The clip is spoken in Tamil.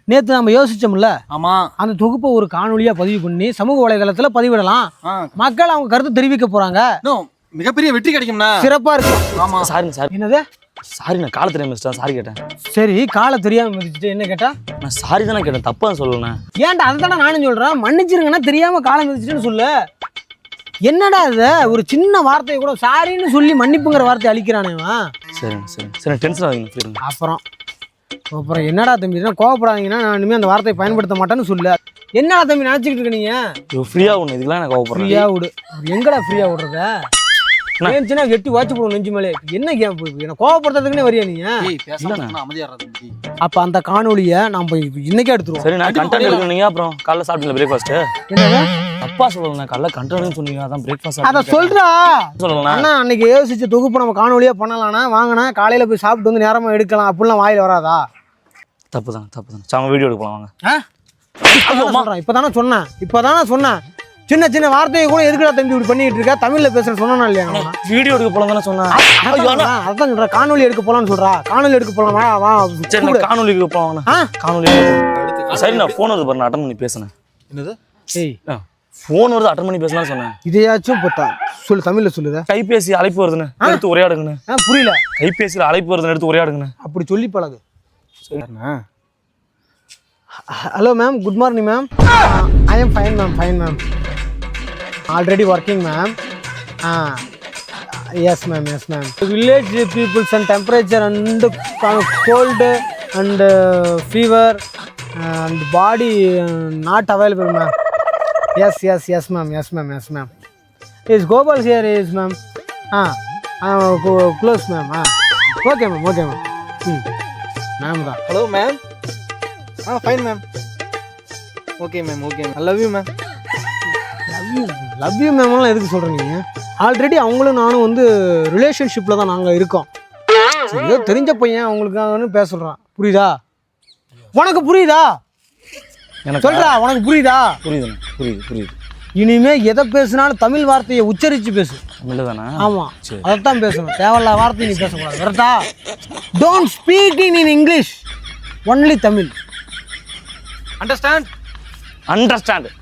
நேற்று நம்ம யோசிச்சோம்ல, ஆமா, அந்த தொகுப்பை ஒரு காணொலியா பதிவு பண்ணி சமூக வலைதளத்துல பதிவிடலாம். மக்கள் அவங்க கருத்து தெரிவிக்க போறாங்க. மிகப்பெரிய வெற்றி கிடைக்கும்னா சிறப்பா இருக்கு. ஆமா சாரிங்க சார். என்னது? சாரி, நான் காலை தெரியாம மிஸ்டர் சாரி கேட்டேன். சரி, காலை தெரியாம மிதிச்சுட்டு என்ன கேட்டா? நான் சாரி தானே கேட்டேன், தப்பா சொல்லணும். ஏன்டா அதுதானே நானும் சொல்றேன். மன்னிச்சிருங்கன்னா தெரியாம காலை மிதிச்சுட்டுன்னு சொல்லு. என்னடா இது? ஒரு சின்ன வார்த்தையை கூட சாரின்னு சொல்லி மன்னிப்புங்கிற வார்த்தை அழிக்கிறானே. சரிங்க சரி சரி, டென்ஷன் ஆகுங்க. அப்புறம் என்னடா தம்பி, கோவப்படாதீங்கன்னா நான் இனிமேல் அந்த வார்த்தையை பயன்படுத்த மாட்டேன்னு சொல்லு. என்னடா தம்பி நினைச்சிக்கிட்டு இருக்க நீங்க? ஃப்ரீயா ஒண்ணு இதுக்கெல்லாம் எனக்கு கோவப்படுறேன். ஃப்ரீயா விடு. எங்கடா ஃப்ரீயா விடுறத? ஏன்ச்சுன்னா வெட்டி வாட்சி போடுவோம் நெஞ்சு மேலே. என்ன என்ன கோவப்படுறதுக்குன்னே வரியா நீங்க? அப்ப அந்த காணொலியை நம்ம இன்னைக்கே எடுத்துருவோம். சரி, நான் கண்டென்ட் எடுக்கணுங்க. அப்புறம் காலைல சாப்பிட்டீங்களா பிரேக்ஃபாஸ்ட்? என்னது? அப்பா சொல்லணும், காலைல கண்டென்ட்னு சொன்னீங்க, அதான் பிரேக்ஃபாஸ்ட். அத சொல்றா சொல்லலாம். அண்ணா அன்னைக்கு யோசிச்ச தொகுப்பு நம்ம காணொலியா பண்ணலாம்னா வாங்கினா காலையில போய் சாப்பிட்டு வந்து நேரமா எடுக்கலாம். அப்படிலாம் வாயில வராதா? தப்பு தான். சாம வீடியோ எடுக்கலாம் வாங்க. இப்பதானே சொன்னேன். சின்ன சின்ன வார்த்தையை கூட எதுக்குடா தம்பி இப்படி பண்ணிட்டு இருக்க? தமிழ்ல பேசுற சொன்னா இல்லையா? வீடியோ எடுக்க போலாம் தானே சொன்னேன். அதான் சொல்றேன், காணொலி எடுக்க போலான்னு சொல்றா. காணொலி எடுக்க போலாம். காணொலி எடுக்க போலாம். காணொலி சரி, நான் போன் வருது பாரு, நான் அட்டன் பண்ணி பேசுனேன். என்னது? போன் வருது, அட்டன் பண்ணி பேசலாம்னு சொன்னேன். இதையாச்சும் சொல்லு, தமிழ்ல சொல்லுத. கைபேசி அழைப்பு வருதுன்னு எடுத்து உரையாடுங்கண்ணே. புரியல. கைபேசியில் அழைப்பு வருதுன்னு எடுத்து உரையாடுங்கண்ணே. அப்படி சொல்லி பழகு. சரிண்ணா. Hello ma'am, good morning ma'am. I am fine ma'am. Already working, ma'am. Yes, ma'am. Village peoples and temperature and cold and fever and body not available, ma'am. Yes, ma'am. Is Gopal here, is ma'am? Close, ma'am. Okay, ma'am. Ma'am. Hello, ma'am. Fine, ma'am. Okay, ma'am. I love you, ma'am. Love you மேம்லாம் எதுக்கு சொல்கிறீங்க? ஆல்ரெடி அவங்களும் நானும் வந்து ரிலேஷன்ஷிப்பில் தான் நாங்கள் இருக்கோம். ஏதோ தெரிஞ்ச பையன் அவங்களுக்காகன்னு பேச சொல்கிறான். புரியுதா? உனக்கு புரியுதா? சொல்கிறா, உனக்கு புரியுதா? புரியுது. இனிமே எதை பேசினாலும் தமிழ் வார்த்தையை உச்சரித்து பேசு. தமிழ் தானே? ஆமாம், அதைத்தான் பேசணும். தேவையில்ல வார்த்தை நீ பேசக்கூடாது. கரெக்டா? Don't speak in English, only Tamil. Understand.